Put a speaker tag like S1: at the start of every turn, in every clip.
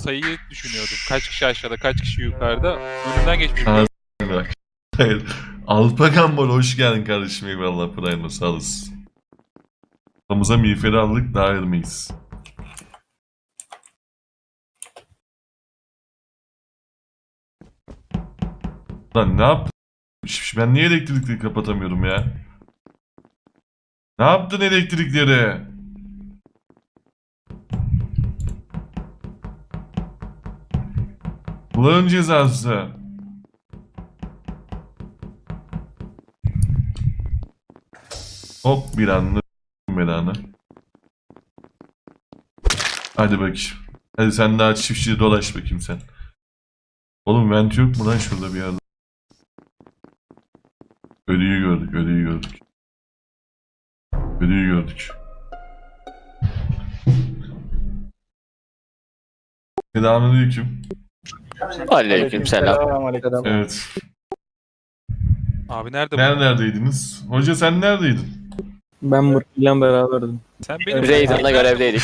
S1: sayıyı düşünüyordum. Kaç kişi aşağıda, kaç kişi yukarıda. Önünden geçmiş.
S2: Ha, bak. Hayır. Alpagambol hoş geldin kardeşim. Eyvallah Prime sağ olasın. Kafamıza miğferi aldık daha mıyız? Lan ne yaptın? Ben niye elektrikleri kapatamıyorum ya? Ne yaptın elektrikleri? Kulağın cezası. Hop bir anda belanı. Hadi bakayım. Hadi sen daha çiftçide dolaş bakayım sen. Oğlum vent yok mu lan şurada bir yerde? Ölüyü gördük, ölüyü gördük. Ölüyü gördük. Selamünaleyküm.
S3: Aleykümselam.
S2: Evet.
S1: Abi nerede bu?
S2: Neredeydiniz? Hoca sen neredeydin?
S4: Ben Murtlu'yla beraberdim.
S1: Sen benim
S3: Raiden'la görevdeydik.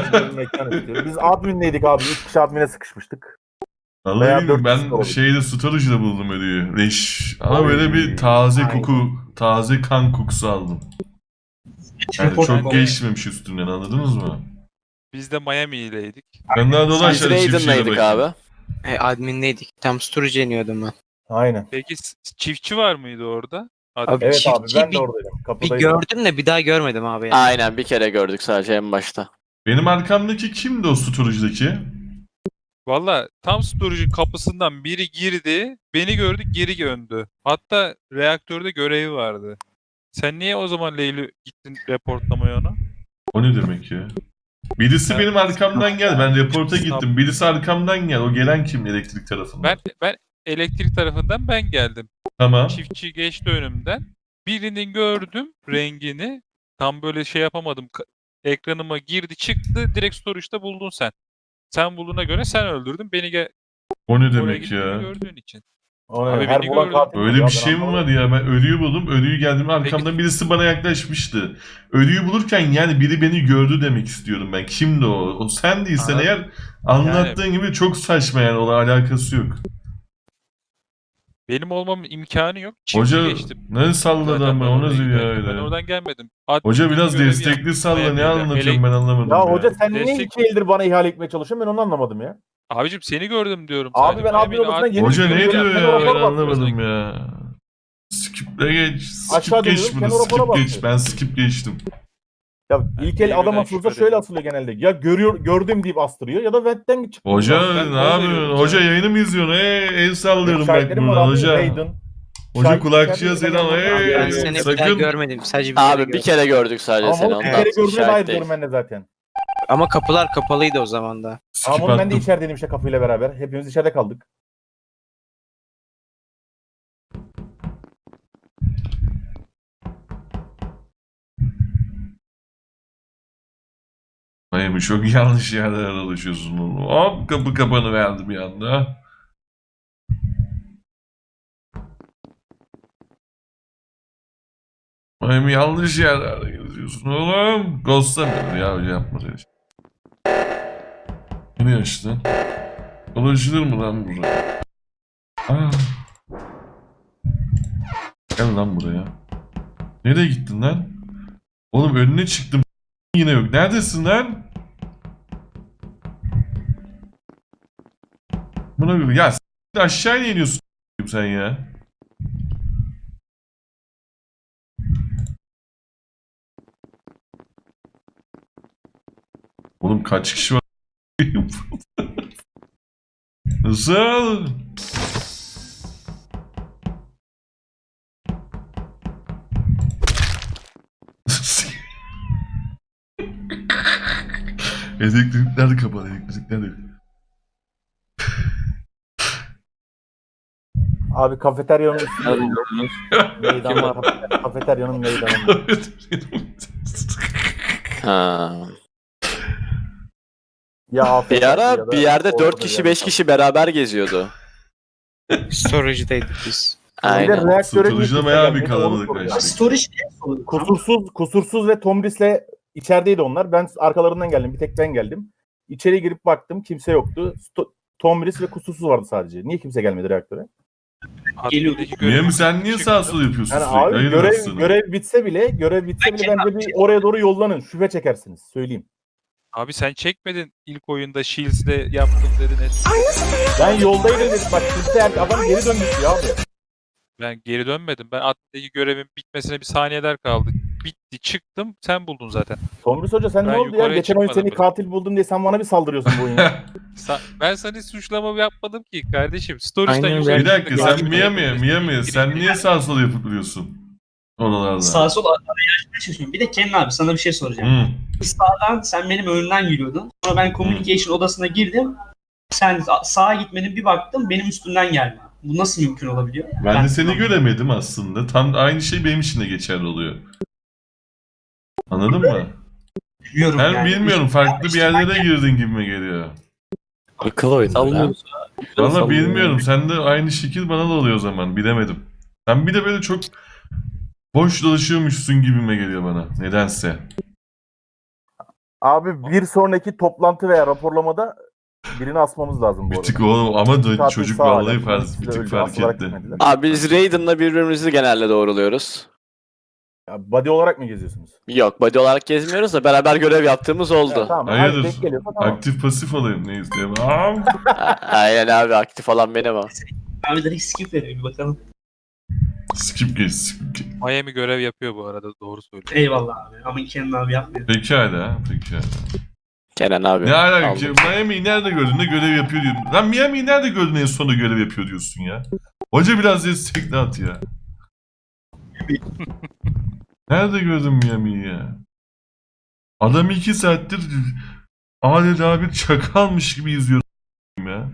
S5: Biz admindeydik abi. 3 kişi admine sıkışmıştık. Veya
S2: Vallahi
S5: dört kişi
S2: ben
S5: olabilir.
S2: şeyde storage'da buldum ölüyü. Leş. Ama böyle bir taze koku, taze kan kokusu aldım. Yani çok geçmemiş üstünden anladınız mı?
S1: Biz de Miami'yleydik.
S2: Ben daha
S3: Biz
S2: dolaşarak çiftçiyle
S3: Raiden'laydık
S2: bakayım.
S3: abi.
S4: Admin'deydik. Tam storage iniyordum ben.
S5: Aynen.
S1: Peki çiftçi var mıydı orada?
S4: Abi,
S5: Evet abi
S4: çiftçi
S5: ben de
S4: bir-
S5: oradaydım.
S4: Bir
S5: Kapıdaydım.
S4: gördüm de bir daha görmedim abi yani.
S3: Aynen bir kere gördük sadece en başta.
S2: Benim arkamdaki kimdi o storage'daki?
S1: Valla tam storage'ın kapısından biri girdi, beni gördü, geri döndü. Hatta reaktörde görevi vardı. Sen niye o zaman Leyli gittin reportlamaya ona?
S2: O ne demek ya? Birisi
S1: Ben-
S2: benim arkamdan gel. Ben reporta gittim. Birisi arkamdan gel. O gelen kim elektrik tarafından?
S1: Ben elektrik tarafından ben geldim.
S2: Tamam.
S1: Çiftçi geçti önümden. Birini gördüm rengini. Tam böyle şey yapamadım. Ekranıma girdi çıktı. Direkt storage'da buldun sen. Sen bulduğuna göre sen öldürdün. Beni
S2: O ne
S1: oraya
S2: demek
S1: gittiğini
S2: ya?
S1: gördüğün için.
S5: O ne?
S1: Abi
S5: Her
S1: beni
S5: bulan
S1: gördüm.
S5: katil.
S2: Öyle
S5: Ya
S2: bir
S5: ben
S2: şey mi var
S5: anlamadım.
S2: ya? Ben ölüyü buldum. Ölüyü geldim arkamdan birisi bana yaklaşmıştı. Ölüyü bulurken yani biri beni gördü demek istiyorum ben. Kimdi o? O sen değilsen
S1: Abi,
S2: eğer anlattığın gibi çok saçma yani. Ona alakası yok.
S1: Benim olmamın imkanı yok. Çiftçi
S2: Hoca
S1: geçti.
S2: ne salladı
S1: Zaten
S2: ama
S1: ben
S2: o
S1: oraya
S2: nasıl ya
S1: giderken
S2: öyle?
S1: Ben oradan gelmedim.
S2: Hoca biraz
S1: görevi
S2: destekli
S1: yaptım.
S2: salla ne
S1: Miami'de.
S2: anlatıyorsun ben anlamadım
S5: Ya
S2: ya.
S5: hoca sen niye
S1: Destek-
S5: 2 eldir bana ihale etmeye çalışıyorsun ben onu anlamadım ya.
S1: Abicim seni gördüm diyorum.
S5: Abi
S1: sadece.
S5: ben admin
S1: Miami'de
S5: odasına yeni
S2: Hoca ne
S5: Yeni
S2: diyor
S5: bir
S2: ya
S5: rapor
S2: ben
S5: bakıyorsun.
S2: anlamadım ya. Skip'le geç.
S5: Aşağı
S2: Skip geç
S5: dönüyorum,
S2: bunu.
S5: kendi rapora
S2: Skip geç.
S5: bakıyor.
S2: Ben skip geçtim.
S5: Ya
S1: Ben
S5: ilk el
S1: David'den
S5: adam asılsa
S1: şüphe
S5: şöyle
S1: ediyorum.
S5: asılıyor genelde. Ya gördüm deyip astırıyor ya da ventten çıkıyor.
S2: Hoca
S1: ben
S2: ne
S1: kol
S2: yapıyorsun?
S1: veriyorum
S2: Hoca
S1: sana.
S2: yayını mı izliyorsun? El sallıyorum bak
S5: Şahitlerim var
S2: buradan
S5: abi.
S2: hoca.
S5: Raiden.
S2: Hoca
S5: Şahit
S2: kulakçıya
S5: içeride
S2: selam.
S5: bir tane
S4: Abi ben
S5: Hey,
S4: seni bir daha
S2: sakın.
S4: görmedim. Sadece bir kere
S3: Abi bir
S4: gördüm.
S3: kere gördük sadece
S5: Ama
S3: seni
S5: onu bir
S3: ondan.
S5: kere gördüğüne dair
S3: Şahit
S5: diyorum
S3: değil.
S5: ben de zaten.
S4: Ama kapılar kapalıydı o zaman da.
S2: Skip
S5: Ama onu ben de
S2: attım.
S5: içerideydim işte kapıyla beraber. Hepimiz içeride kaldık.
S2: Miami çok yanlış yerlere alışıyorsun oğlum. Hop kapı kapanıverdi bir anda. Miami yanlış yerlerde geziyorsun oğlum. Ghostlamıyorum ya hoca yapma öyle şey. Yeni açtın. Dolaşılır mı lan buraya? Ah. Gel lan buraya. Nereye gittin lan? Oğlum önüne çıktım. Yine yok. Neredesin lan? Buna göre ya aşağıya iniyorsun sen ya. Oğlum kaç kişi var? Nasıl? Elektrikler kapalı, elektrikler yok.
S5: Abi kafeteryanın üstünde meydan var. Kafeteryanın meydanı.
S3: Ha.
S5: Ya afiyet
S3: Bir
S5: olsun ya
S3: ara
S5: da
S3: bir yerde
S5: ortada
S3: 4 kişi
S5: bir
S3: 5
S5: yerde.
S3: kişi beraber geziyordu.
S4: Storage'daydık biz.
S5: Bir de
S3: Aynen.
S5: reaktöre
S2: Susturucuda
S5: niye
S2: bayağı
S5: kimse
S2: bir
S5: gelmedi? Onu
S2: kalabalıklaştık.
S5: soruyorum.
S6: Storage
S5: Kusursuz ve Tomris'le içerideydi onlar. Ben arkalarından geldim. Bir tek ben geldim. İçeri girip baktım kimse yoktu. Tomris ve Kusursuz vardı sadece. Niye kimse gelmedi reaktöre?
S1: Admindeki
S2: Niye
S1: görevi
S2: mi sen niye
S1: çıktım.
S2: sağ sol yapıyorsun
S5: Yani
S2: sürekli?
S5: abi
S2: Hayırdır
S5: görev
S2: aslında?
S5: bitse bile bence bir oraya doğru yollanın. Şüphe çekersiniz. Söyleyeyim.
S1: Abi sen çekmedin ilk oyunda Shields'de yaptım dedin.
S5: Ben yoldaydım dedim. Bak kimse adam geri dönmüş ya abi.
S1: Ben geri dönmedim. Ben admindeki görevin bitmesine bir saniyeler kaldı. Bitti çıktım sen buldun zaten.
S5: Tomris Hoca sen
S1: Ben
S5: ne oldu ya?
S1: yukarıya
S5: Geçen oyun
S1: çıkmadım
S5: seni
S1: bile.
S5: katil buldum diye sen bana bir saldırıyorsun bu oyuna.
S1: Ben sana hiç suçlama yapmadım ki kardeşim. Storage'dan
S4: Aynen
S1: yukarı
S2: Bir dakika
S1: çıktık.
S2: sen Miami sen niye sağ sol yapıp duruyorsun? Oralarda.
S6: Sağ sol araya açmaya. Bir de Kenan abi sana bir şey soracağım.
S2: Hı.
S6: Sağdan sen benim önümden yürüyordun. Sonra ben communication odasına girdim. Sen sağa gitmedin, bir baktım benim üstümden geldi. Bu nasıl mümkün olabiliyor?
S2: Ben de seni göremedim aslında. Tam aynı şey benim için de geçerli oluyor. Anladın mı?
S6: Biliyorum
S2: Ben
S6: yani.
S2: bilmiyorum farklı bir yerlere girdin gibime geliyor.
S7: Akıl oyunu ya.
S2: Valla bilmiyorum. Sen de aynı şekil bana da oluyor o zaman. Bilemedim. Sen bir de böyle çok boş dolaşıyormuşsun gibime geliyor bana. Nedense.
S5: Abi bir sonraki toplantı veya raporlamada birini asmamız lazım bu
S2: Bir
S5: arada.
S2: tık o ama da
S5: Katil
S2: çocuk
S5: sağ
S2: vallahi
S5: hala.
S2: fark,
S5: Siz
S2: bir
S5: de
S2: tık
S5: öldü,
S2: fark
S5: asılarak
S2: etti.
S5: gitmediler.
S3: Abi biz Raiden'la birbirimizi genelde doğruluyoruz.
S5: Ya body olarak mı geziyorsunuz?
S3: Yok body olarak gezmiyoruz da beraber görev yaptığımız oldu.
S5: Tamam.
S2: Hayırdır?
S5: Denk geliyorsa tamam.
S2: Aktif pasif olayım ne isteyeyim.
S3: Aynen abi, aktif olan benim o.
S6: Abi direkt skip veriyor, bir bakalım.
S2: Skip geç. Skip geç.
S1: Miami görev yapıyor bu arada doğru söylüyor.
S6: Eyvallah abi. Ama Kenan abi yapmıyor.
S2: Pekala.
S3: Kenan abi.
S2: Ne alaka?
S3: aldım.
S2: Miami'yi nerede gördün de görev yapıyor diyorsun. Lan Miami'yi nerede gördün en sonunda görev yapıyor diyorsun ya. Hoca biraz destekli at ya. Nerede gördün Miami'yi ya? Adam 2 saattir adeta bir çakalmış gibi izliyor ya.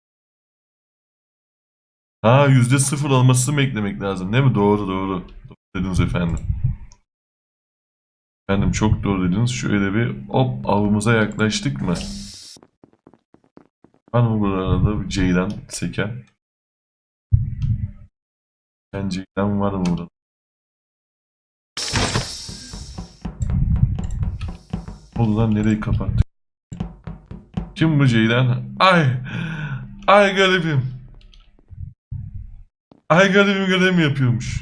S2: Ha %0 olmasını beklemek lazım değil mi? Doğru. Doğru dediniz efendim. Efendim çok doğru dediniz. Şöyle bir hop avımıza yaklaştık mı? Var mı burada bir ceylan seken? Ben ceylan var mı burada? Oldu lan nereyi kapattık? Kim bu ceylan? Ay garibim. Ay garibim görev mi yapıyormuş?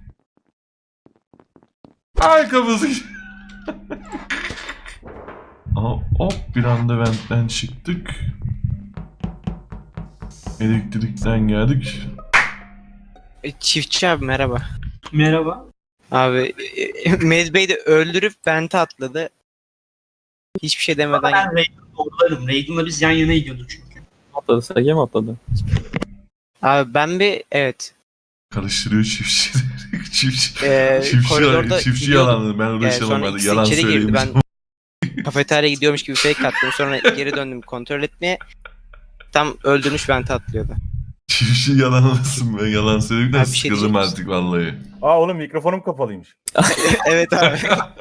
S2: Ay kafası. Aha, hop bir anda ventten çıktık. Elektrikten geldik.
S4: Çiftçi abi merhaba.
S6: Merhaba.
S4: Abi Med Bey de öldürüp vente atladı. Hiçbir şey demeden
S6: Ben Raiden'ı doğrularım. Raiden'la biz yan yana gidiyorduk çünkü.
S7: Atladı, SG mi atladı?
S4: Abi ben bir evet
S2: Karıştırıyor çiftçi.
S4: koridorda
S2: Çiftçi
S4: gidiyordum.
S2: yalanı. Ben uğraşamam
S4: Sonra
S2: hadi.
S4: ikisi
S2: Yalan
S4: içeri girdi.
S2: söyleyeyim.
S4: Ben kafeteryaya gidiyormuş gibi fake attım. Sonra geri döndüm kontrol etmeye. Tam öldürmüş vente atlıyordu.
S2: Çiftçi yalan olasın be. Yalan söylemekten
S4: Abi bir şey
S2: sıkıldım
S4: diyecek
S2: artık vallahi.
S5: Aa oğlum mikrofonum kapalıymış.
S4: Evet abi.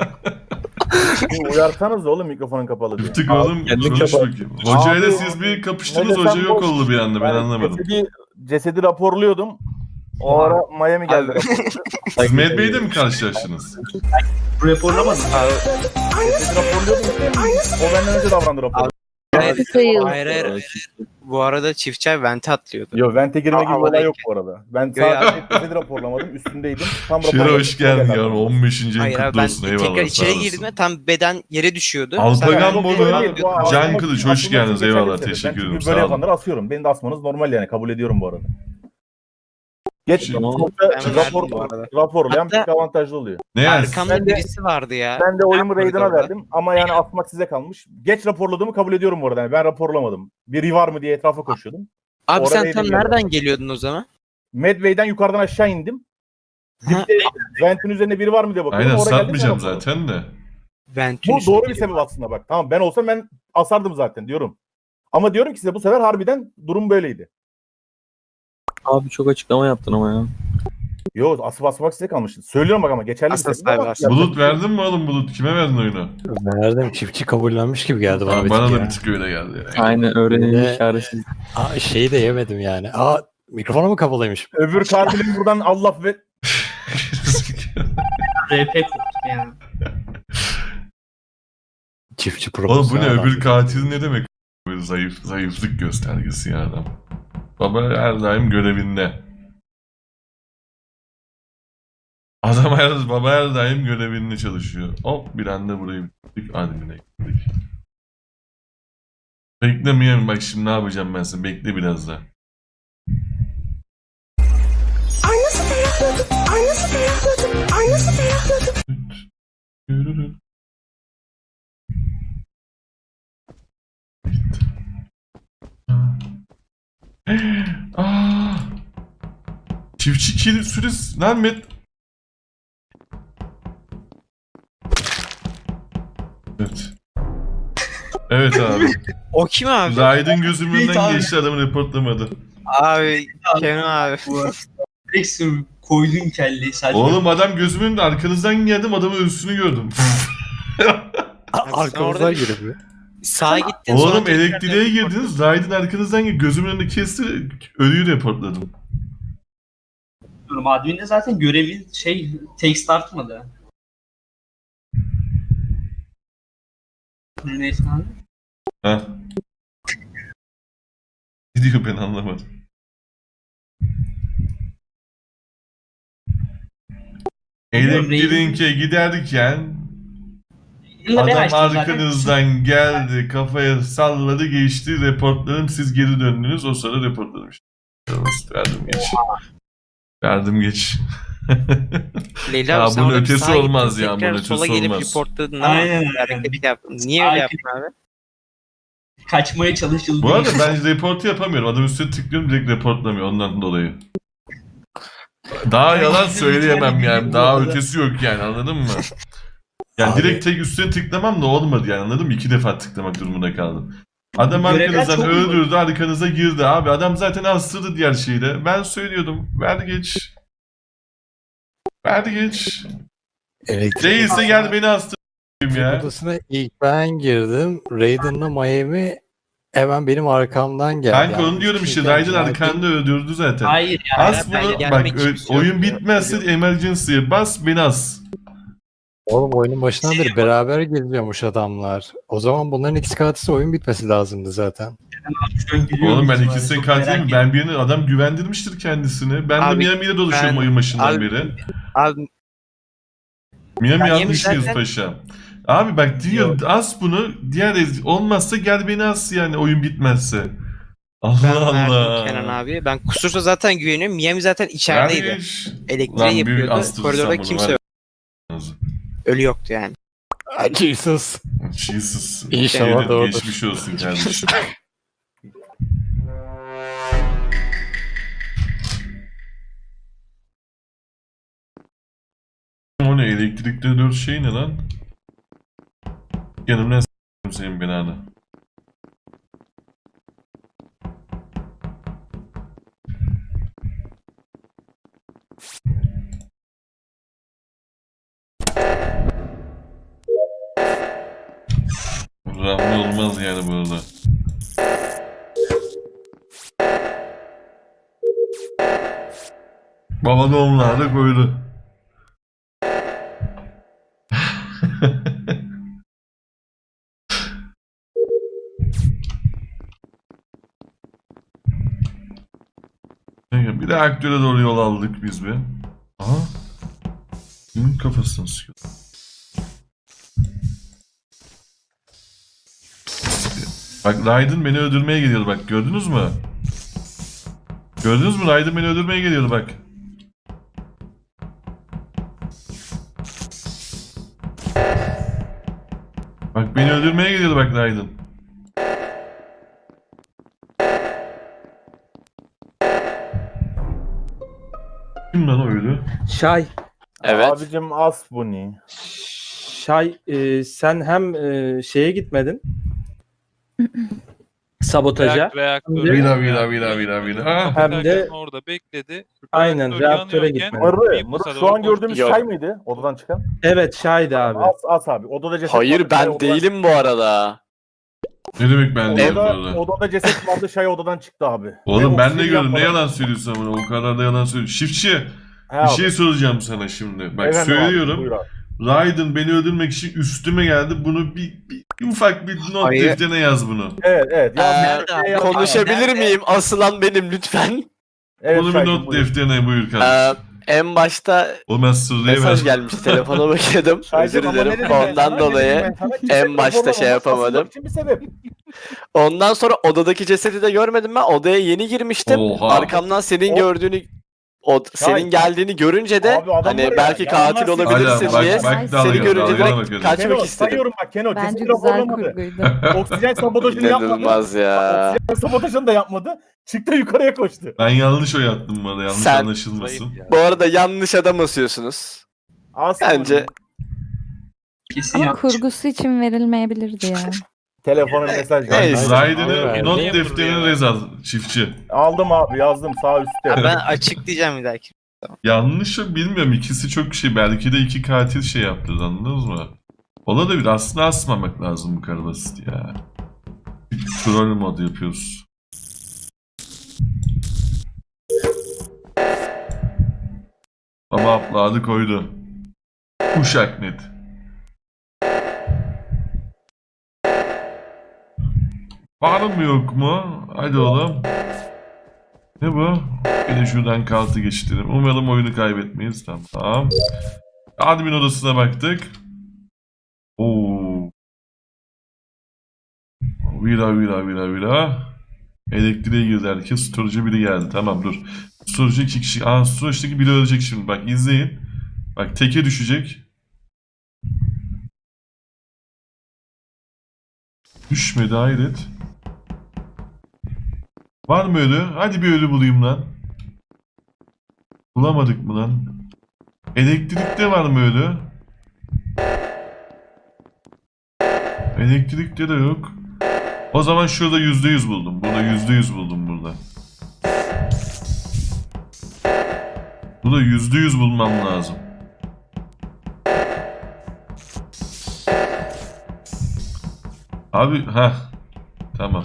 S5: Uyarsanız da oğlum mikrofonun kapalı diye.
S2: Bir tık oğlum
S7: kendin
S2: konuş
S7: kapat.
S2: bakayım. Hocayla
S5: Abi,
S2: siz bir
S5: ne
S2: kapıştınız.
S5: desem
S2: Hoca yok
S5: boş.
S2: oldu bir anda. Ben
S5: Yani
S2: anlamadım.
S5: Cesedi raporluyordum. O ara Miami geldi.
S4: Abi.
S2: Siz Mad Bey'de mi karşılaştınız?
S6: Raporlamadım.
S4: Abi,
S5: Cesedi raporluyordum. O benden önce davrandı rapor.
S4: hayır. Bu arada çiftçi abi vente atlıyordu.
S5: Yo vente girme gibi bir olay
S4: Havadayken.
S5: yok bu arada. Ben
S4: Yo ya.
S5: sadece cesedi raporlamadım. Üstündeydim. Tam
S2: Şire
S5: raporladım.
S2: hoş geldin ya. 15.
S4: Hayır
S2: yıl
S4: abi
S2: kutlu
S4: ben
S2: olsun. Eyvallah.
S4: tekrar
S2: sağ
S4: içeri
S2: olasın.
S4: girdiğimde tam beden yere düşüyordu.
S2: Alpagan
S4: Sen-
S2: Bolu, Can Kılıç hoş geldiniz. Eyvallah. Teşekkür ederim.
S5: Böyle
S2: Sağ olun.
S5: yapanları asıyorum. Beni de asmanız normal yani. Kabul ediyorum bu arada. Geç
S2: Şimdi-
S4: Ben verdim bu arada.
S5: raporlayan
S4: Hatta-
S5: bir avantajlı oluyor.
S2: Ne yani?
S4: Arkamda
S5: Ben de-
S4: birisi vardı ya.
S5: Ben de oyumu Raiden'a
S4: koridorda.
S5: verdim ama yani asmak size kalmış. Geç raporladığımı kabul ediyorum bu arada. Yani ben raporlamadım. Biri var mı diye etrafa koşuyordum.
S4: Abi
S5: Orada
S4: sen
S5: neydi
S4: tam
S5: ya?
S4: nereden geliyordun o zaman?
S5: Medway'den yukarıdan aşağı indim.
S4: Ha.
S5: Dipte Vent'in üzerinde biri var mı diye bakıyorum.
S2: Aynen
S5: Oraya geldim,
S2: satmayacağım
S5: ben raporladım.
S2: zaten de.
S4: Ventin
S5: Bu doğru bir sebep aslında bak. Tamam ben olsam ben asardım zaten diyorum. Ama diyorum ki size bu sefer harbiden durum böyleydi.
S7: Abi çok açıklama yaptın ama ya.
S5: Yo asıp asmak size kalmış. Söylüyorum bak ama geçerli bir
S4: Asas
S5: sebep ama.
S4: var.
S5: yapacak
S2: Bulut
S5: bir şey yok.
S2: verdin mi oğlum Bulut? Kime verdin oyunu?
S8: Verdim. Çiftçi kabullenmiş gibi geldi bana bir
S2: Bana
S8: tık
S2: da
S8: ya.
S2: bir tık öyle geldi. Yani.
S7: Aynen öğrenilmiş
S8: Ne?
S7: çaresiz.
S8: Şeyi de yemedim yani. Mikrofonu mu kapalıymış?
S5: Öbür katilin buradan Allah ve
S6: RP koptu yani.
S8: Çiftçi
S2: Oğlum bu
S8: profesyonel
S2: ne?
S8: adam.
S2: Öbür katil ne demek Böyle zayıflık göstergesi ya adam. Baba her daim görevinde. Baba her daim görevinde çalışıyor. Hop bir anda burayı bitirdik. Admin'e gittik. Beklemeyeyim bak şimdi ne yapacağım ben sana. Bekle biraz daha.
S9: Ay nasıl ferahladım, ay nasıl ferahladım, ay nasıl ferahladım.
S2: Yürürüm. Aa! Çiftçi kilit süresi lan Evet. Evet abi.
S4: O kim abi?
S2: Raid'in gözümün
S6: Evet
S2: önünden
S6: abi.
S2: geçti adamı reportlamadı.
S4: Abi Kenan abi.
S6: Direkt koydun kelleyi sadece.
S2: Oğlum adam gözümün önünde arkanızdan geldim adamın üstünü gördüm.
S8: Arkamızdan
S4: orada-
S8: girip.
S4: Sağa gittin sonra
S2: Oğlum
S4: tekrar
S2: elektriğe
S4: dön.
S2: girdiniz. Raid'in arkanızdan gözümün önünde kesti. Ölüyü reportladım.
S6: Admin'de zaten görevin text artmadı. Neyse abi.
S2: Ha. Ne diyor ben anlamadım. Elektriğe giderken
S6: Yine ben
S2: adam
S6: açtım zaten.
S2: arkanızdan geldi, kafaya salladı, geçti, reportladım, siz geri döndünüz, o sırada reportladım işte. Verdim geç. Verdim geç.
S4: Leyla
S2: Ya
S4: abi sen
S2: bunun
S4: orada bir
S2: ötesi
S4: sağa gittin,
S2: olmaz ya,
S4: tekrar
S2: bunun
S4: sola
S2: ötesi
S4: gelip
S2: olmaz.
S4: reportladın ama
S6: Aynen.
S4: hareket yaptın. Niye
S6: Sağa
S4: öyle yaptın abi?
S6: Kaçmaya çalışıldı.
S2: Bu arada ben reportu yapamıyorum. Adam üstüne tıklıyorum direkt reportlamıyor ondan dolayı. Daha yalan söyleyemem yani. Daha ötesi yok yani anladın mı? Yani
S8: Abi-
S2: direkt tek üstüne tıklamam da olmadı yani anladın mı? 2 defa tıklamak durumunda kaldım. Adam
S6: Görevler
S2: arkanızdan
S6: çok
S2: öldürdü, arkanıza girdi abi. Adam zaten astırdı diğer şeyle. Ben söylüyordum. Ver geç. Ver geç.
S8: Elektrik
S2: Değilse gel beni astır ya.
S8: odasına ilk ben girdim. Raiden'la Miami hemen benim arkamdan geldi.
S2: Kanka
S8: Yani
S2: onu diyorum işte.
S8: şeyden
S2: Raiden
S8: cinayet-
S2: arkanda öldürdü zaten.
S6: Hayır ya.
S2: As
S4: ben
S2: bunu
S4: gelmek
S2: bak
S4: için bir şey
S2: oyun
S4: yok.
S2: bitmezse emergency'ye bas beni as.
S8: Oğlum oyunun başından beri beraber geliyormuş adamlar. O zaman bunların ikisi katilse oyun bitmesi lazımdı zaten.
S6: Şu an gülüyorum
S2: Oğlum ben
S6: ihtimalle.
S2: ikisini
S6: Çok
S2: katil
S6: merak
S2: mi? Ben birini adam güvendirmiştir kendisini. Ben de
S4: Abi,
S2: Miami'de dolaşıyorum
S4: ben-
S2: oyun başından
S4: abi-
S2: beri.
S4: Abi
S2: Miami
S4: Miami
S2: yanlış mıyız
S4: zaten-
S2: paşa? Abi bak diyor as bunu olmazsa gel beni as yani oyun bitmezse.
S4: ben
S2: Allah
S4: verdim
S2: Allah.
S4: Kenan abi. Ben kusursa zaten güveniyorum. Miami zaten içerideydi.
S2: Kardeş.
S4: Elektriği
S2: Lan bir
S4: yapıyordu.
S2: astırsam
S4: Koridorda
S2: bunu,
S4: kimse
S2: ver.
S4: yok. Ölü yoktu yani.
S8: Ay Jesus.
S2: Jesus.
S8: İnşallah
S2: Yemin
S8: doğrudur.
S2: Geçmiş olsun kardeşim. O ne elektrikte 4 şey ne lan? Yanımdan s**tim senin binanı. Rahmi olmaz yani burada. Baba doğumlarda koydu. Bir de aktöre doğru yol aldık biz be. Aha. Kimin kafasını sıkıyor? Bak Raiden beni öldürmeye geliyordu bak gördünüz mü? Gördünüz mü Raiden beni öldürmeye geliyordu bak. Bak beni öldürmeye geliyordu bak Raiden. Kim lan o öyle?
S3: Şay. Evet.
S5: Abicim as bu ne?
S3: Şay sen hem şeye gitmedin. Sabotaja.
S1: Reaktörü.
S2: Vila. Ha.
S3: Hem de
S1: orada bekledi.
S3: aynen
S1: Reaktör
S3: reaktöre
S1: yanıyorken
S3: gitmedin.
S5: Mırrı,
S1: bir
S5: Mırrı
S1: masada
S5: şu an
S1: koştu.
S5: gördüğümüz
S3: Yok.
S5: Şay mıydı odadan çıkan?
S3: Evet Şay'dı abi.
S5: As abi. Odada ceset
S3: Hayır
S5: vardı,
S3: ben
S5: Şay odadan-
S3: değilim bu arada.
S2: Ne demek ben değilim
S5: Odada,
S2: orada?
S5: odada ceset vardı Şay odadan çıktı abi.
S2: Oğlum
S5: Ve
S2: ben de
S5: oksijeni
S2: gördüm. Ne
S5: yapmadan-
S2: yalan söylüyorsun ama o kadar da yalan söylüyorsun. Çiftçi
S5: He
S2: bir
S5: abi.
S2: şey soracağım sana şimdi. Bak
S5: Efendim abi,
S2: söylüyorum.
S5: buyur abi.
S2: Raiden beni öldürmek için üstüme geldi. Bunu bir ufak bir not
S4: Hayır.
S2: defterine yaz bunu.
S5: Evet. Ya,
S3: Konuşabilir miyim? Asılan benim lütfen.
S5: Evet,
S2: Bunu bir
S5: Şahin,
S2: not
S5: buyur.
S2: defterine buyur kardeşim.
S3: En başta
S2: O ben sırrıya
S3: mesaj
S2: ver.
S3: gelmişti. Telefona bakıyordum.
S5: Şahin,
S3: Özür
S5: ama ne
S3: dilerim.
S5: dedim ben
S3: Ondan
S5: sana? Ne dedim
S3: dolayı
S5: ben sana?
S3: en
S5: Ceset
S3: başta
S5: raporu
S3: şey
S5: olmaz,
S3: yapamadım.
S5: asılmak için bir sebep.
S3: Ondan sonra odadaki cesedi de görmedim ben. Odaya yeni girmiştim.
S2: Oha.
S3: Arkamdan senin
S5: O-
S3: gördüğünü senin geldiğini görünce de
S5: Abi adam
S3: hani
S5: var ya,
S3: belki
S5: ya
S3: katil
S5: onlar-
S3: olabilirsin
S2: Hala
S3: diye
S2: bak dalga
S3: seni görünce
S2: dalgana
S3: direkt
S2: bakarım.
S3: kaçmak
S5: Keno
S3: istedim.
S5: sayıyorum bak Keno.
S9: Bence
S5: Ceset
S9: güzel
S5: raporlamadı.
S9: kurguydu.
S5: Oksijen sabotajını yapmadı.
S3: İnanılmaz ya.
S5: Oksijen sabotajını da yapmadı. Çıktı yukarıya koştu.
S2: Ben yanlış oy attım bu arada. Yanlış
S3: Sen-
S2: anlaşılmasın.
S3: Bu arada yanlış adam asıyorsunuz.
S5: Aslında
S3: Bence
S6: Kesin
S9: Ama
S6: yanlış.
S9: kurgusu için verilmeyebilirdi ya.
S5: telefona mesaj
S3: Neyse.
S5: geldi.
S2: Raiden'ı
S8: Abi,
S2: not
S1: niye
S2: defterine
S1: burada ya?
S2: rez al çiftçi.
S5: Aldım abi yazdım sağ üstte.
S4: Ben açıklayacağım bir dahaki.
S2: Yanlış mı bilmiyorum. İkisi çok şey. Belki de iki katil şey yaptı. Anladınız mı? Olabilir. Aslında asmamak lazım bu kadar basit ya. Bir troll mod yapıyoruz. Baba apladı koydu. Uşak net. Var mı yok mu? Hadi oğlum. Ne bu? Bir de şuradan kartı geçtirelim. Umarım oyunu kaybetmeyiz. Tamam. Admin odasına baktık. Oo. Vira. Elektriğe girdi herkes. Storage'a biri geldi. Tamam dur. Storage'a 2 kişi. Storage'daki biri ölecek şimdi. Bak izleyin. Bak teke düşecek. Düşmedi hayret. Var mı ölü? Hadi bir ölü bulayım lan. Bulamadık mı lan? Elektrikte var mı ölü? Elektrikte de yok. O zaman şurada %100 buldum. Burada %100 buldum burada. Burada %100 bulmam lazım. Abi tamam.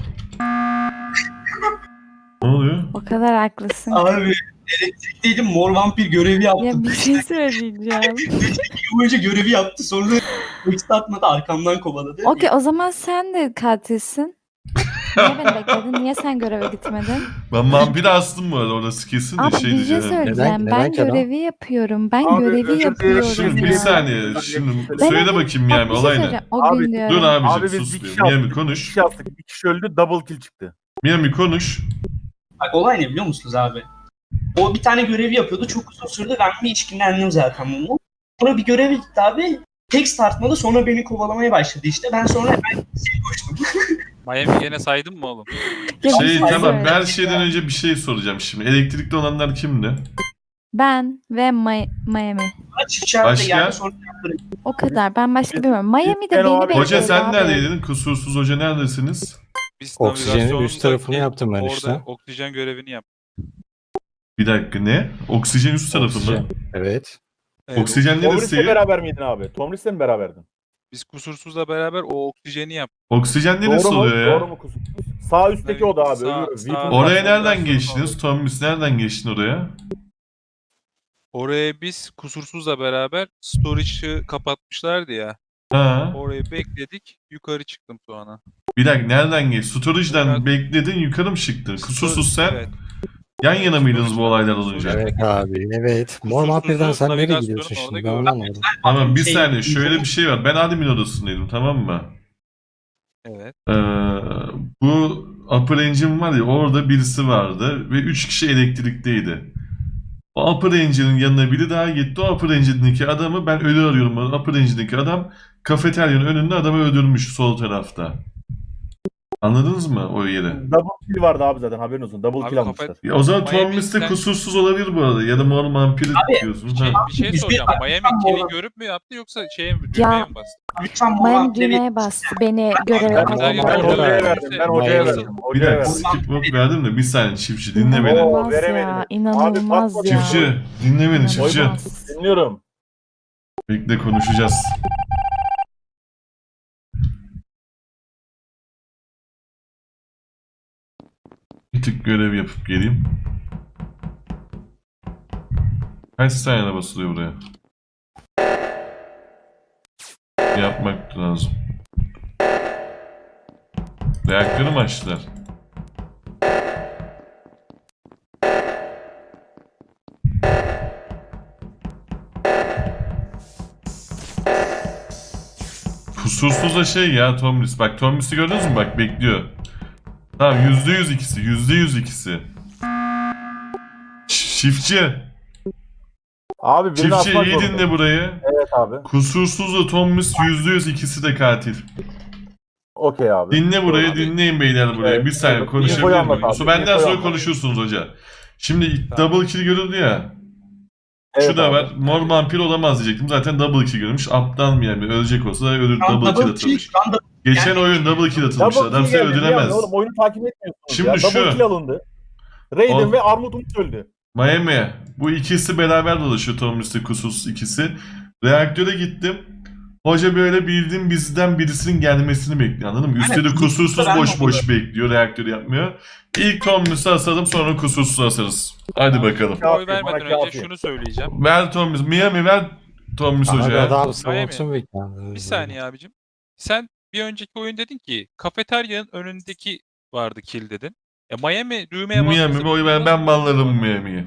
S2: Ne oluyor?
S9: O kadar haklısın.
S6: Abi elektrikteydim, mor vampir görevi yaptı.
S9: Ya bir şey söyleyeceğim.
S6: Bir boyunca görevi yaptı, sonra text atmadı, arkamdan kovaladı.
S9: Okey, o zaman sen de katilsin. Niye beni bekledin? Niye sen göreve gitmedin?
S2: Ben vampiri astım bu arada orası kesin de
S9: Abi
S2: şey
S9: bir şey
S2: diyeceğim.
S9: söyleyeceğim.
S8: Neden
S9: Ben
S8: Kenan?
S9: görevi yapıyorum. Ben
S5: Abi,
S9: görevi
S5: özür dilerim.
S9: yapıyorum.
S2: Şimdi bir
S9: ya.
S2: saniye. Şimdi
S9: Ben
S2: söyle
S9: hep-
S2: bakayım
S9: Bak,
S2: yani
S9: bir şey
S2: olay ne?
S9: söyleyeceğim. O
S5: Abi,
S9: gün diyorum.
S2: Dur abicim
S5: Abi biz
S2: sus
S5: bir
S2: bir.
S5: kişi
S2: Miami
S5: yaptık. Bir
S2: konuş.
S5: kişi yaptık. Bir kişi öldü. Double kill çıktı.
S2: Miami konuş.
S6: Bak olay ne biliyor musunuz abi? O bir tane görevi yapıyordu, çok uzun sürdü, ben bir içkinlendim zaten bunu. Sonra bir görevi gitti abi, text atmadı, sonra beni kovalamaya başladı işte. Ben sonra hemen koştum.
S1: Miami gene saydın mı oğlum?
S9: Ya bir
S2: Şey
S9: şey
S2: tamam
S9: söyle.
S2: her şeyden önce bir şey soracağım şimdi. Elektrikli olanlar kimdi?
S9: Ben ve Miami.
S6: Çift şartla
S2: Başka?
S6: geldi, sonra
S9: O kadar. Ben başka bilmiyorum. Miami'de
S5: Ben o
S9: beni
S5: abi-
S9: bekliyor.
S2: Hoca sen
S9: abi.
S2: neredeydin? Kusursuz hoca neredesiniz?
S1: Biz
S8: Oksijenin
S1: navigasyonun
S8: üst tarafını
S1: da-
S8: yaptım ben
S1: orada
S8: işte.
S1: oksijen görevini yap.
S2: Bir dakika ne? Oksijen üst tarafında.
S8: Oksijen. Evet.
S1: Evet,
S2: Oksijen
S5: Tomris'le
S2: neresi?
S5: beraber miydin abi? Tomris'le mi beraberdin?
S1: Biz kusursuzla beraber o oksijeni yap.
S2: Oksijen neresi
S5: Doğru mu?
S2: oluyor ya?
S5: Doğru mu kusur? Sağ üstteki oda abi.
S1: Sağ-
S5: öbürü.
S1: sağ-
S5: Weapon
S2: Oraya
S5: var.
S2: nereden geçtiniz? Tomris nereden geçtin oraya?
S1: Oraya biz kusursuzla beraber storage'ı kapatmışlardı ya.
S2: Ha.
S1: Orayı bekledik. Yukarı çıktım sonra.
S2: Bir dakika nereden geç? Storage'dan
S1: Yukarı-
S2: bekledin yukarı mı çıktın? Kusursuz sen
S1: Evet.
S2: yan yana mıydınız bu olaylar olunca?
S8: Evet abi. Evet. Mor
S1: Kusursuzun
S8: vampirden sen nereye
S1: navigasyonu
S8: gidiyorsun
S1: orada
S8: şimdi? Ben
S1: gördüm.
S8: onu anlamadım.
S2: Tamam bir
S6: Şey-
S2: saniye şöyle bir şey var. Ben admin odasındaydım tamam mı?
S1: Evet.
S2: Bu Upper Engine var ya orada birisi vardı ve 3 kişi elektrikteydi. O Upper Engine'in yanına biri daha gitti. O Upper Engine'deki adamı ben ölü arıyorum. O Upper Engine'deki adam kafeteryanın önünde adamı öldürmüş sol tarafta. Anladınız mı o yeri?
S5: Double kill vardı abi zaten haberin olsun. Double
S1: Abi
S5: kill almışlar.
S2: Ya o zaman
S1: Miami
S2: Tom Mist de
S1: sen-
S2: kusursuz olabilir bu arada. Ya da Mor Vampiri diyorsun. Ha.
S1: Bir şey
S6: Biz
S1: soracağım.
S6: bir-
S1: Miami
S6: Tam
S1: kill'i
S6: olarak-
S1: görüp mü yaptı yoksa şeye mi düğmeye mi bastı?
S6: lütfen mor
S9: Miami
S6: vampire
S9: düğmeye bastı. Beni göreve
S5: Ben,
S1: Güzel
S5: ben
S1: yapıyor.
S5: hocaya verdim. Ben hocaya
S8: Miami.
S5: verdim.
S2: Bir
S5: Hocaya
S2: dakika
S5: verdim.
S2: skip mode verdim de bir saniye çiftçi dinle beni.
S5: Oo,
S9: İnanılmaz
S5: veremedim.
S9: ya.
S5: Abi,
S9: İnanılmaz
S5: bakma
S9: ya.
S2: Çiftçi dinle beni çiftçi.
S9: İnanılmaz.
S5: Dinliyorum.
S2: Bekle konuşacağız. Bir tık görev yapıp geleyim. Kaç saniye basılıyor buraya? yapmak lazım. Reaktörü mü açtılar? Kusursuz da şey ya Tomris. Bak Tomris'i gördünüz mü? Bak bekliyor. Tamam %100 ikisi. %100 ikisi. Çiftçi.
S5: Abi birini
S2: Çiftçi
S5: asmak
S2: iyi
S5: zorunda.
S2: dinle burayı.
S5: Evet abi.
S2: Kusursuzla Tomris %100 ikisi de katil.
S5: Okey abi.
S2: Dinle burayı,
S1: Abi.
S2: dinleyin beyler burayı.
S5: Evet,
S2: Bir saniye
S5: evet.
S2: konuşabilir
S5: İnfoyu
S2: miyim?
S5: anlat abi,
S2: So, benden
S5: infoyu
S2: sonra
S5: anlat.
S2: konuşursunuz hoca. Şimdi
S1: Tamam.
S2: double kill görüldü ya.
S5: Evet
S2: Şu da
S5: abi.
S2: var. Mor vampir olamaz diyecektim. Zaten double kill görmüş. Aptal mı yani? Ölecek olsa da ölür.
S6: Şu an
S2: Double kill
S6: double kill,
S2: atılmış.
S6: şu anda
S2: Geçen
S6: yani-
S2: oyun double kill atılmış.
S5: Double
S2: Adam
S5: kill
S2: seni
S5: geldi,
S2: öldüremez.
S5: yani oğlum oyunu takip etmiyorsunuz
S2: Şimdi
S5: ya. Double
S2: şu.
S5: kill alındı. Raiden
S2: O-
S5: ve Armut Umut öldü.
S2: Miami. Bu ikisi beraber dolaşıyor. Tomris'le kusursuz ikisi. Reaktöre gittim. Hoca böyle bildiğin bizden birisinin gelmesini bekliyor, anladın mı? Üstelik
S6: Aynen.
S2: kusursuz
S6: Ben
S2: boş boş bekliyor, reaktörü yapmıyor. İlk Tomris'i asalım, sonra kusursuz asarız. Hadi bakalım.
S5: Kafi,
S1: Oy vermeden
S5: bana
S1: önce
S5: kafi.
S1: şunu söyleyeceğim.
S2: Ver Tomris, Miami ver Tomris
S8: Abi
S2: hocaya.
S8: adam savunsun bekliyor.
S1: Bir saniye abicim. Sen bir önceki oyun dedin ki kafeteryanın önündeki vardı kill dedin. Ya Miami düğmeye
S2: Miami
S1: bastıysa-
S2: oy ver, ben banlarım Miami'yi.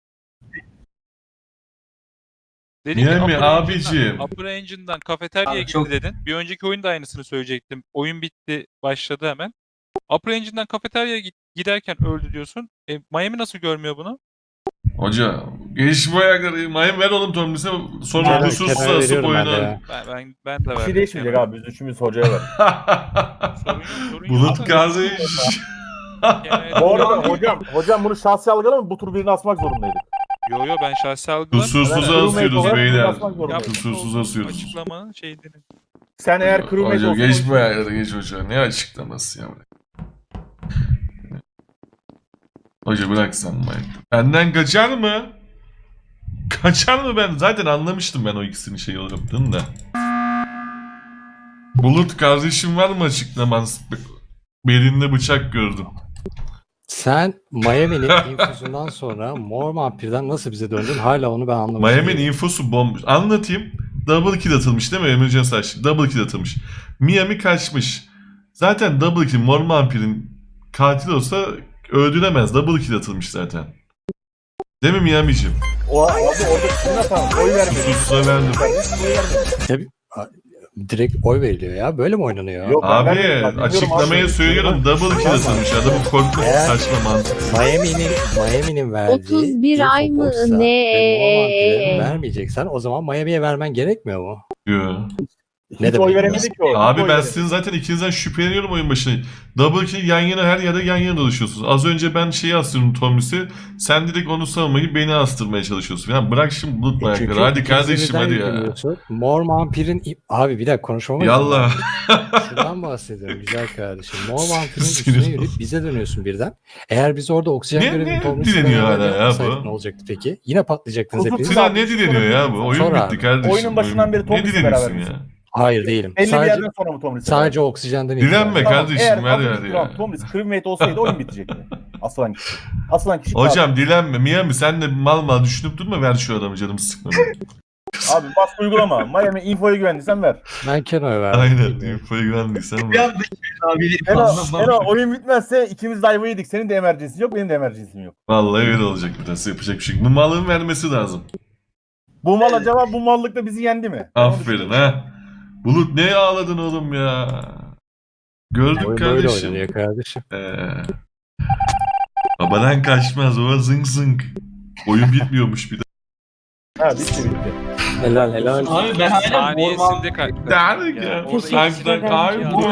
S1: Dedin ki
S2: Miami
S1: Upper
S2: abicim.
S1: Engine'dan- Upper Engine'dan kafeteryaya
S6: Abi
S1: gitti
S6: çok-
S1: dedin. Bir önceki oyunda aynısını söyleyecektim. Oyun bitti, başladı hemen. Upper Engine'dan kafeteryaya giderken öldü diyorsun. Miami nasıl görmüyor bunu?
S2: Hoca, geç bu ayakları. Miami ver oğlum Tomris'e, sonra
S8: Kenar-
S2: kusursuz
S8: kenar
S2: asıp
S8: veriyorum ben de
S2: oyunu.
S8: ya.
S1: Ben de
S5: Bir
S1: verdim.
S5: şey değişmeyecek abi. Biz üçümüz hocaya ver.
S1: Sorun yok, sorun yok.
S2: Bulut kardeş.
S1: Yani-
S5: Bu arada hocam bunu şahsi algılama, bu tur birini asmak zorundaydık.
S1: Yo ben şahsi algılamıyorum.
S2: Kusursuz
S5: Evet,
S2: asıyoruz
S5: olarak
S2: beyler.
S5: basmak zorundayız.
S2: Kusursuz asıyoruz.
S1: Açıklamanın şeyini.
S5: Sen eğer crewmate
S2: Hoca
S5: olsan...
S2: geç bu ayakları, geç hoca. Ne açıklaması ya? Hoca bırak sen Mike. Benden kaçar mı? Kaçar mı ben? Zaten anlamıştım ben o ikisinin şey yaptığını da. Bulut kardeşim var mı açıklaman? Belinde bıçak gördüm.
S8: Sen Miami'nin infüzünden sonra Mor Vampir'den nasıl bize döndün? Hala onu ben anlamadım.
S2: Miami'nin infosu bomba. Anlatayım. Double kill atılmış değil mi? Emergency açtık. Double kill atılmış. Miami kaçmış. Zaten double kill Mor Vampir'in katil olsa öldüremez. Double kill atılmış zaten. Değil mi Miami'cim?
S5: Orada kim atalım? Oy vermedi.
S2: Kusursuza verdim.
S8: Direkt oy veriliyor ya. Böyle mi oynanıyor?
S5: Yok.
S2: Abi
S5: Ben bilmiyorum
S2: açıklamayı
S5: abi.
S2: söylüyorum. Double kill atılmış. Adamın korkması
S8: Eğer-
S2: saçma mantık.
S8: Miami'nin verdiği
S10: 31 ay mı
S8: info box'a
S10: ne?
S8: ve Mor Vampir'e vermeyeceksen o zaman Miami'ye vermen gerekmiyor mu?
S2: Yo.
S8: Ne
S5: Hiç
S8: demek
S5: oy
S8: ya?
S5: veremedik ki orada.
S2: Abi
S5: Hiç oy
S2: ben
S5: veremedik.
S2: sizin zaten ikinizden şüpheleniyorum oyun başına. Double kill yan yana, her yerde yan yana dolaşıyorsunuz. Az önce ben şeyi astırdım Tomris'i. Sen direkt onu savunmayı beni astırmaya çalışıyorsun. Ya bırak şimdi bulut ayakları.
S8: Çünkü
S2: Hadi
S8: ikinizi
S2: kardeşim
S8: birden
S2: hadi ya.
S8: yükleniyorsun. Mor Vampir'in... Abi bir dakika konuşmama izin
S2: Yallah.
S8: ver. Şuradan bahsediyorum güzel kardeşim. Mor Vampir'in üstüne
S2: Sinir
S8: yürüyüp bize dönüyorsun birden. Eğer biz orada oksijen
S2: Ne-
S8: görevini
S2: ne
S8: Tomris'le
S2: dileniyor
S8: beraber
S2: hala ya
S8: yapmasaydık
S2: bu?
S8: ne olacaktı peki? Yine patlayacaktınız
S5: Kutup
S8: hepiniz.
S2: Sinan ne dileniyor ya bu? Oyun
S8: Sor
S2: bitti
S8: abi.
S2: kardeşim.
S5: Oyunun başından beri
S2: Ne
S5: Tomris'le
S2: dileniyorsun
S5: beraber
S2: ya?
S8: Hayır değilim.
S5: Belli bir
S8: Sadece,
S5: yerden sonra mı Tomris'e
S8: sadece oksijenden
S2: Dilenme
S8: ibaret.
S2: kardeşim,
S5: eğer
S2: ver
S5: Tomris
S2: ver ya.
S5: Tomris crewmate olsaydı oyun bitecekti. Asılan kişi. Asılan kişi
S2: Hocam dilenme. Miami sen de mal düşünüp durma, ver şu adamı, canım sıkma.
S5: Abi baskı uygulama. Miami infoya güvendiysen ver.
S8: Ben Keno'ya verdim.
S2: Aynen.
S8: bilmiyorum.
S2: Infoya güvendiysen
S6: Bir
S2: ver.
S6: anda abi
S5: Eno oyun bitmezse ikimiz de ayva yedik. Senin de emergency'sin yok, benim de emergency'm yok.
S2: Vallahi öyle olacak bir tanesi. Yapacak bir şey yok. Bu malın vermesi lazım.
S5: Bu mal acaba bu mallıkta bizi yendi mi?
S2: Aferin ha. Bulut ne ağladın oğlum ya? Gördük
S8: Oyun böyle
S2: kardeşim.
S8: oynanıyor kardeşim.
S2: Babadan kaçmaz o zınk zınk. Oyun bitmiyormuş bir de.
S5: Ha bitti bitti.
S7: Helal helal.
S6: Abi ben hala
S1: Saniyesinde kalktı.
S2: Derdik
S1: Yani
S2: ya.
S1: orada
S2: Sanki
S9: ederim.
S2: ay bu